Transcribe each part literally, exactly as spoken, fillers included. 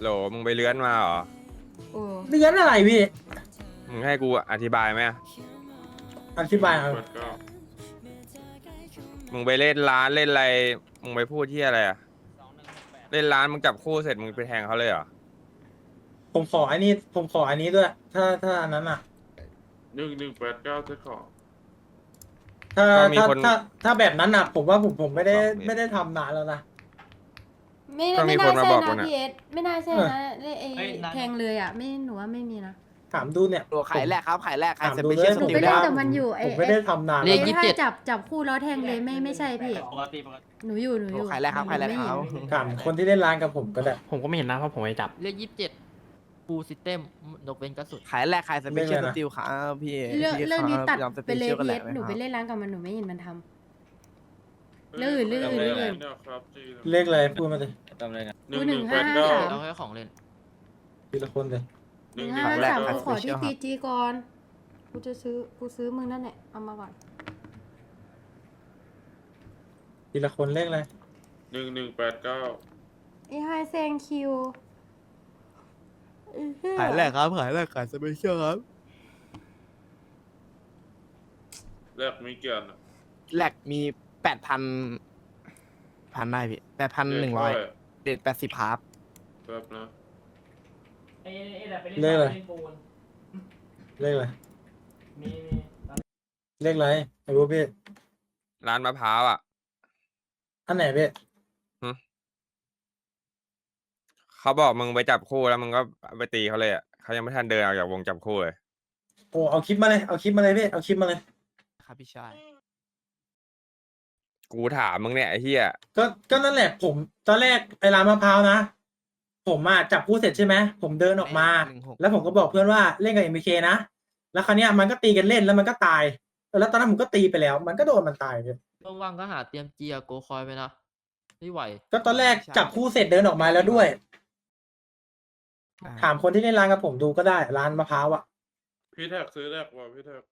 โหลมึงไปเลื้อนมาเหรอโอ้เลี้ยนอะไรพี่มึงให้กูอธิบายไหมอะอธิบายเอาเปิดก็มึงไปเล่นร้านเล่นอะไร มึงไปพูดที่อะไรอะเล่นร้านมึงจับคู่เสร็จมึงไปแทงเขาเลยเหรอผมขออันนี้ผมขออันนี้ด้วย ถ้าถ้าอันนั้นอ่ะหนึ่งหนึ่งแปดเก้าเซ็ตของถ้าก็มีถ้าคนถ้าถ้าแบบนั้นอ่ะ ผมว่าผมผมไม่ได้สองเมตรไม่ได้ทำนานแล้วนะไม่ก็มีไม่คนน่ามาใช่บอกนะกูนะพี่เอสไม่น่าใช่เออนะไอ้ไอ้เอ้ยนั่นแทงเลยอ่ะไม่หนูว่าไม่มีนะถามดูเนี่ยตัวขายแรกครับขายแรกขายถามสดูเปเลเชียยลสหนูติไปลเล่นได้แต่มันอยู่ไอ้ผมไม่ได้ทำนานไอ้แล้วถ้าจับจับคู่แล้วแทงเลยไม่ไม่ใช่พี่ปกติปกติหนูอยู่หนูอยู่ขายแรกครับขายแรกไม่คเห็รันบถามคนที่เล่นร้านกับผมก็ได้ผมก็ไม่เห็นนะเพราะผมไม่จับเลขยี่สิบเจ็ดฟูซิสเต็มนกเว้นกระสุนขายแรกขายสเปเชียลเรื่สองอะไรนะติลครับพี่เรื่องพี่เรื่องนี้คบตัดยอมสไปเปเลยชียลกันพี่แหเอละสหนูไปครับเล่นร้านกับมันหนูไม่เห็นมันทำ ลื่นลื่นลื่นเนี่ยครับจีเลขอะไรพูดมาสิจำเลยนะหนึ่งหนึ่งแปดเก้าเอาแค่ของเล่นทีละคนเลยหนึ่งห้าสามกูขอที่ซีจีก่อนกูจะซื้อกูซื้อมึงนั่นแหละเอามาก่อนทีละคนเลขอะไรหนึ่งหนึ่งแปดเก้าไอ้ไฮแซงคิวไอ้เหี้ขายแรกครับขายแรกขายสเปเชียลครับแรกมีเกียรติแรกมีแปดพันพันได้พี่แปดพันหนึ่งร้อยเด็ดแปดสิบครับแบบนะไอ้ไอ้แบบไปเลขอะไรเล่นปูนเลขอะไรมีมีเลขอะไรไอ้พวกพี่ร้านมะพร้าวอ่ะอันไหนพี่เขาบอกมึงไปจับคู่แล้วมึงก็ไปตีเขาเลยอ่ะเขายังไม่ทันเดินออกจากวงจับคู่เลยโอ้เอาคลิปมาเลยเอาคลิปมาเลยพี่เอาคลิปมาเลยครับพี่ชายกูถามมึงเนี่ยไอ้เหี้ยก็ก็นั่นแหละผมตอนแรกไอ้ร้านมะพร้าวนะ ผมอ่ะจับคู่เสร็จใช่ไหมผมเดินออกมาหนึ่งหกแล้วผมก็บอกเพื่อนว่าเล่นกับเอ็มเคนะแล้วคราวเนี้ยมันก็ตีกันเล่นแล้วมันก็ตายแล้วตอนนั้นผมก็ตีไปแล้ว มันก็โดนมันตายเลยว่างๆก็หาเตรียมเจียโกคอยไปนะไม่ไหวก็ตอนแรกจับคู่เสร็จเดินออกมาแล้วด้วย ถามคนที่เล่นร้านกับผมดูก็ได้ร้านมะพร้าวอ่ะพี่แท็กซื้อแรกว่าพี่แท็ก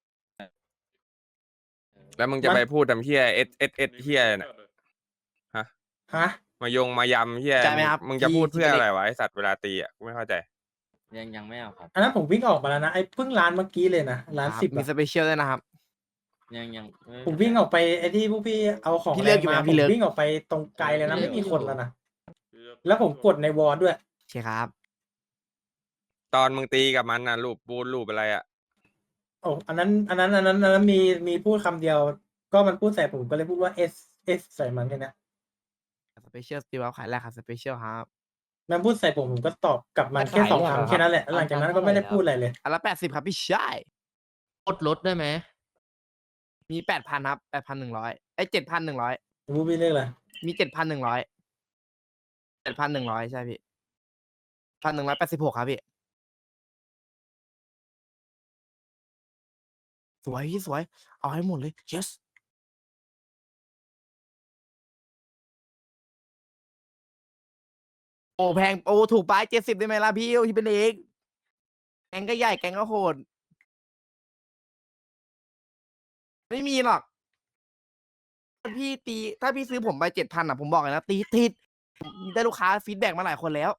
แล้วมึงจะไปพูดทำเหี้ยเอสเอสเอสเหี้ยเนี่ยฮะฮะมายงมายำเหี้ยใช่ไหมครับมึงจะพี่พูดเพื่อที่อะไรเล็กวะไอสัตว์เวลาตีอ่ะกูไม่เข้าใจยังยังไม่เอาครับอันนั้นผมวิ่งออกมาแล้วนะไอ้เพิ่งร้านเมื่อกี้เลยนะร้านครับสิบมีอะสเปเชียลด้วยนะครับยังยังไผมวิ่งออกไปไอ้ที่พวกพี่เอาของพี่เลิกอยู่มาไหมผพี่มเลิกวิ่งออกไปตรงไกลเลยนะพี่เลิไม่กมีอยู่คนแล้วนะแล้วผมกดในวอลด้วยโอเคครับตอนมึงตีกับมันน่ะรูปปูนรูปอะไรอ่ะโอ้อันนั้น อันนั้น อันนั้น อันนั้นมี มีพูดคำเดียว ก็มันพูดใส่ผมก็เลยพูดว่า S S ใส่มันแค่เนี้ยสเปเชียลสติลครับขายแรกครับสเปเชียลครับมันพูดใส่ผมผมก็ตอบกลับมันแค่สองคำแค่นั้นแหละแล้วหลังจากนั้นก็ไม่ได้พูดอะไรเลยอันละแปดสิบครับพี่ชายลดลดได้ไหมมีแปดพันครับแปดพันหนึ่งร้อยไอ้เจ็ดพันหนึ่งร้อยพูดพี่เรียกอะไรมีเจ็ดพันหนึ่งร้อยเจ็ดพันหนึ่งร้อยใช่พี่พันหนึ่งร้อยแปดสิบหกครับพี่ สวยพี่สวย เอาให้หมดเลย yes โอ้แพงโอ้ถูกไปเจ็ดสิบได้ไหมล่ะพี่ที่เป็นเอกแกงก็ใหญ่แกงก็โหด ไม่มีหรอกถ้าพี่ตีถ้าพี่ซื้อผมไปเจ็ดพันอ่ะผมบอกเลยนะตีติดผมได้ลูกค้าฟีดแบ็กมาหลายคนแล้ว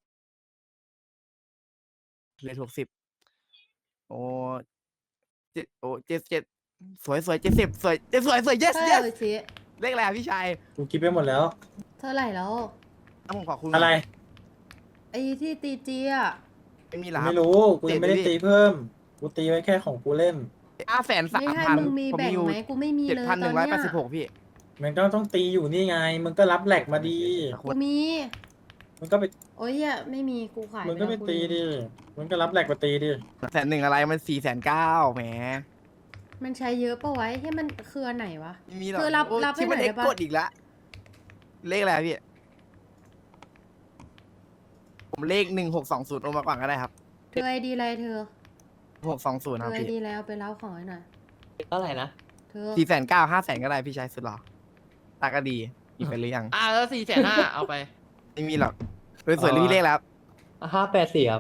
เลยถูกสิบโอ้เจ็ดโอ้เจ็ดเจ็ดสวยสวยเจ็ดสิบสวยเจ็ดสวยสวย yes เท่าไห yes ร่สิเลขอะไรอะพี่ชายกูคิดไปหมดแล้วเท่าไหร่แล้วต้องผมขอคุณอะไรไอ้ที่ตีจีอ่ะไม่มีหรอครับไม่รู้ กูยังไม่ได้เจ็ดดิตีเพิ่ม กูตีไว้แค่ของกูเล่นห้าแสนสาไม่มให้พันมึงมีผมแบ่งมีอยู่ไหมกูไม่มีเจ็ดเลยพันหตนึ่อนงร้อยเนี้แปยดสิบหกพี่มันก็ต้องตีอยู่นี่ไง มึงก็รับแหลกมาดีกูมีมึงก็ไปโอ้ยเหี้ยไม่มีกูขายมึงก็ไปแล้วตีดิ มึงก็รับแหลกมาตีดิแสนหนึ่งอะไรมันสี่แสนเก้าแหมมันใช้เยอะปะไว้ให้มันคืออันไหนวะไม่มีหรอกเธอรับโอ้รับให้ที่มันหน่อยเอ็กได้ปะกดอีกละเลขอะไรอะพี่ ผมเลขหนึ่งหกสองศูนย์โอมาก่อนก็ได้ครับเธอไอดีอะไรเธอหกสองศูนย์เธครับอไอพี่ดีแล้วไปเล่าของให้หน่อยเท่าไหร่นะเธอสี่แสนเก้าห้าแสนก็ได้พี่ชายสุดหรอตาก็ดีมีไปหรือยังอ่ะแล้วสี่แสนห้าเอาไปไม่มีหรอกสวยๆเลยพี่เลขแล้วห้าแปดสี่ครับ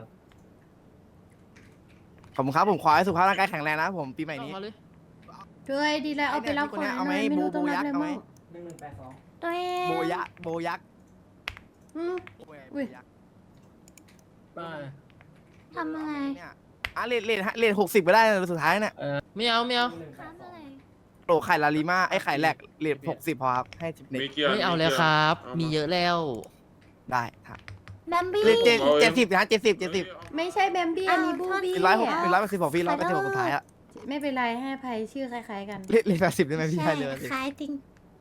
ผมครับผมขอให้สุขภาพร่างกายแข็งแรงนะผมปีใหม่นี้เอาเลยเธอไอดีแล้วเอาไปเล่าของให้หน่อยเอาไหมไม่รู้โบต้องโบรับยักษ์อะไรเอาไหมมั่งหนึ่งหนึ่งแปดสองตัวเองโบยะโบยักษ์อืมโบยะอุ้ยโบยักษ์ทำอะไรเนี่ยอ่ะเลทเลทเลทหกสิบก็ได้นะสุดท้ายเนี่ยไม่เอาไม่เอาครับอะไรโหลไข่ลาลิมาไอ้ไข่แหลกเลทหกสิบพอครับให้สิบเน็ตมีเกียร์ไม่เอาแล้วครับ มีเยอะแล้วได้ครับแบมบี้เลทเจ็ดเจ็ดสิบนะเจ็ดสิบเจ็ดสิบไม่ใช่แบมบี้อันนี้บูบี้เป็นร้อยหกเป็นร้อยแปดสิบของพี่ร้อยแปดสิบของสุดท้ายอะไม่เป็นไรให้ภัยชื่อคล้ายๆกันเลทเลทแปดสิบได้ไหมพี่ใช่ให้เลยคล้ายจริง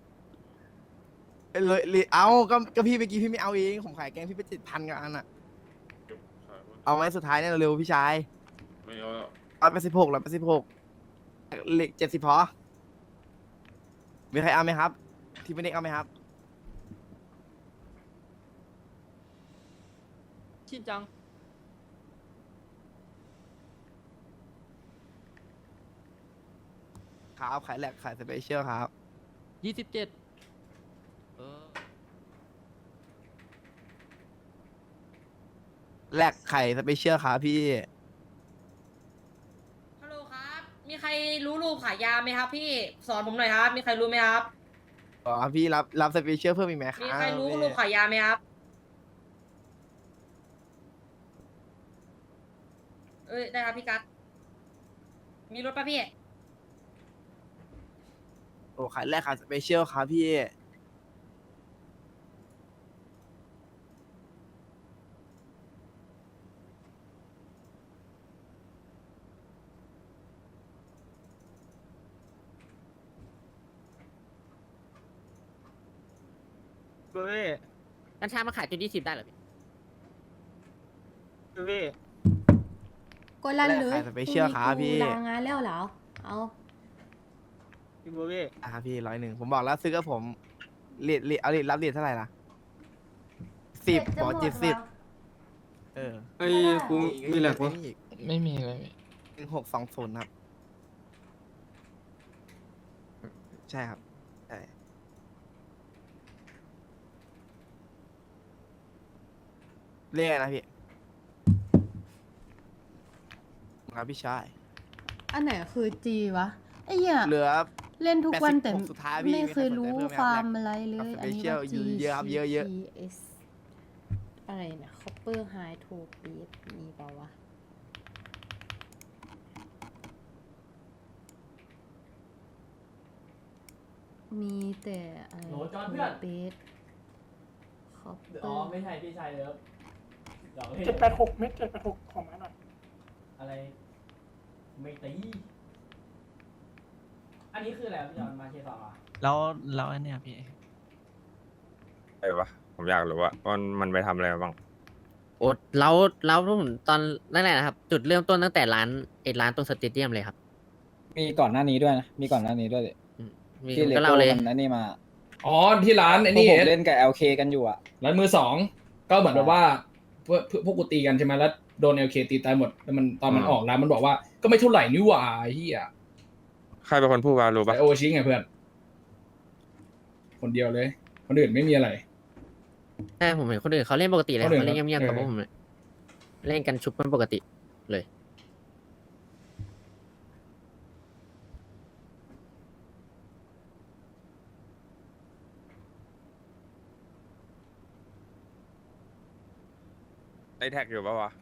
เลยเลยเอาก็ก็พี่เมื่อกี้พี่ไม่เอาเองผมขายแกงพี่ไปเจ็ดพันกับอันอะเอาไหมสุดท้ายเนี่ยเร็วๆพี่ชายไม่เอาแล้วร้อยแปดสิบหกร้อยแปดสิบหกเลขเจ็ดสิบพอมีใครเอาไหมครับ ที่ไม่ได้เอาไหมครับชินจังครับขายแหลกขายสเปเชียลครับยี่สิบเจ็ดเออแหลกไข่สเปเชียลครับพี่ฮัลโหลครับ มีใครรู้รูปขายยาไหมครับ พี่ สอนผมหน่อยครับ มีใครรู้ไหมครับอ๋อพี่รับรับสเปเชียลเพิ่มอีกไหมครับมีใครรู้พี่รูปขายยาไหมครับ เอ้ย ได้ครับพี่กัสมีรถป่ะพี่โอ้ขายแรกขายสเปเชียลครับพี่เบ้ยกัญชามาขายจุดยี่สิบได้เหรอพี่เบ้ยก็ลั่นเลยขายสเปเชียลครับพี่ลางานแล้วเหรอ เอาพี่เบ้ยอ่ะครับพี่ร้อยหนึ่งผมบอกแล้วซื้อกับผมเรียดเรียดเอาเรียดรับเรียดเท่าไหร่ล่ะสิบบอกเจ็ดสิบเออไอ้กูมีแหลกวะไม่มีอะไรหนึ่งหกสองศูนย์ครับ ใช่ครับใช่เรียกอะไรนะพี่ครับพี่ชายอันไหนคือจีวะไอ้เหี้ยเหลือเล่นทุกวันแต่แปดสิบหกสุดท้ายพี่ไม่เคยรู้มีใครสนใจเพิ่มไหมครับฟาร์มอะไรเลยกับอันนี้ special ว่า G อยู่เยอะครับเยอะเยอะ G S อะไรนะ Copper High to Beat มีเปล่าวะ มีแต่อะไรโหจอนเพื่อนเบส Copper อ๋อไม่ใช่พี่ชายเลิฟหยอกเล่นเจ็ดแปดหกเม็ดเจ็ดแปดหกของมาหน่อยอะไร ไม่ตี อันนี้คืออะไรพี่จอนมาเชสองอ่ะแล้วแล้วอันเนี้ยพี่ไอ้วะผมอยากรู้ว่ามันมันไปทำอะไรมาบ้างโอ้แล้วแล้วผมตอนแรกๆนะครับ จุดเริ่มต้นตั้งแต่ร้านไอ้ร้านตรงสเตเดียมเลยครับมีก่อนหน้านี้ด้วยนะ มีก่อนหน้านี้ด้วยดิอืมมีที่ผมเลก็โก้เล่าเลยมันอันนี้มาอ๋อที่ร้านไอ้พวกนี่ผมเล่นกับ แอล เค กันอยู่อ่ะร้านมือสองก็เหมือนแบบว่าพวกพวกกูตีกันใช่ไหมแล้วโดนเอลเคตีตายหมดแล้วมันตอนมันออกร้านมันบอกว่าก็ไม่เท่าไหร่นี่หว่าไอ้เฮียใครเป็นคนพูดวะรู้ไอปะโอชิไงเพื่อนคนเดียวเลย คนอื่นไม่มีอะไรใช่ผมเห็นคนอื่นเขาเล่นปกติเลยคนอื่นเขาเล่นเงียบๆกับเอพอวกผมเลยเล่นกันชุบกันปกติเลยไอแท็กอยู่ปะวะ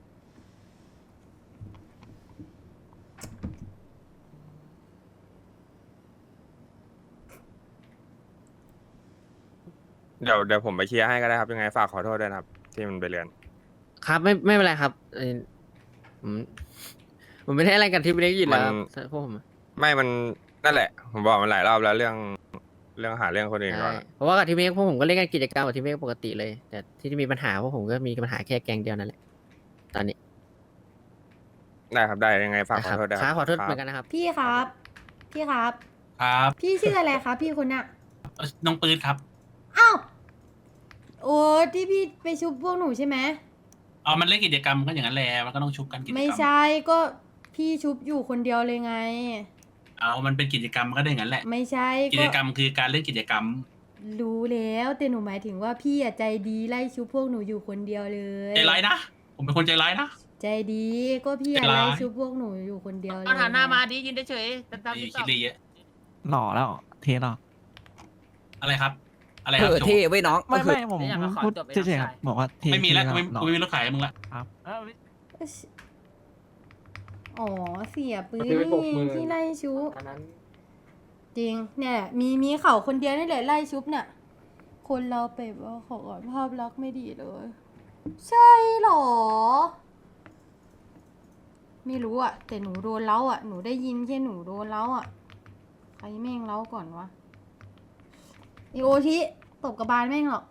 เดี๋ยวเดี๋ยวผมไปเคลียร์ให้ก็ได้ครับยังไงฝากขอโทษด้วยนะครับ ที่มันไปเรียนครับไม่ไม่เป็นไรครับเอ่อผมผมไม่ได้อะไรกันที่ไม่ได้ยินแล้วมันครับพวกผมอะไม่มันนั่นแหละ ผมบอกมันหลายรอบแล้วเรื่องเรื่องหาเรื่องคนอื่นก่อนใช่อะเพราะว่ากับทีมเมกพวกผมก็เล่นกันกิจกรรมกับทีมเมกปกติเลย แต่ที่มีปัญหาพวกผมก็มีปัญหาแค่แกงเดียวนั่นแหละตอนนี้ได้ครับได้ยังไงฝากขอโทษด้วยครับขอโทษครับเหมือนกันนะครับพี่ครับ พี่ครับครับพี่ชื่ออะไรครับพี่คนน่ะน้องปืนครับอ้าวโอ้ที่พี่ไปชุบพวกหนูใช่ไหมอ๋อมันเล่นกิจกรรมก็อย่างนั้นแหละมันก็ต้องชุบกันกิจกรรมไม่ใช่ก็พี่ชุบอยู่คนเดียวเลยไงเอามันเป็นกิจกรรมมันก็ได้อย่างนั้นแหละไม่ใช่กิก็จกรรมคือการเล่นกิจกรรมรู้แล้วแต่หนูหมายถึงว่าพี่อะใจดีไล่ชุบพวกหนูอยู่คนเดียวเลยใจร้ายนะ ผมเป็นคนใจร้ายนะใจดีก็พี่อะใจร้ายไล่ชุบพวกหนูอยู่คนเดียวเลยเอาฐานหน้ามาดิยืนเฉยๆตามไอ้ที่คิดเลยเยอะหล่อแล้ว เทหล่ออะไรครับอะไรคเอรับอโจเท่ไว้ยน้องไม่ไม่ผมไม่อยากผมมาขอพูดจบไปเฉยๆครับน้องชายบอกว่าเท่ไม่มีแล้วเท่กูไม่น้องกูไม่มีรถขายให้มึงละครับเอ้าอ๋อเสียปืนซื้อไปหกหมื่นี่นที่ไล่ชุบอันนั้นจริงเนี่ยมีมีเขาคนเดียวนี่แหละไล่ชุบเนี่ยคนเราไปว่าขอก่อนภาพลักษณ์ไม่ดีเลย ใช่เหรอ ไม่รู้อะแต่หนูโดนเล้าอะหนูได้ยินแค่หนูโดนเล้าอะใครแม่งเล้าก่อนวะอีโอชิตบกระบาลแม่งหรอก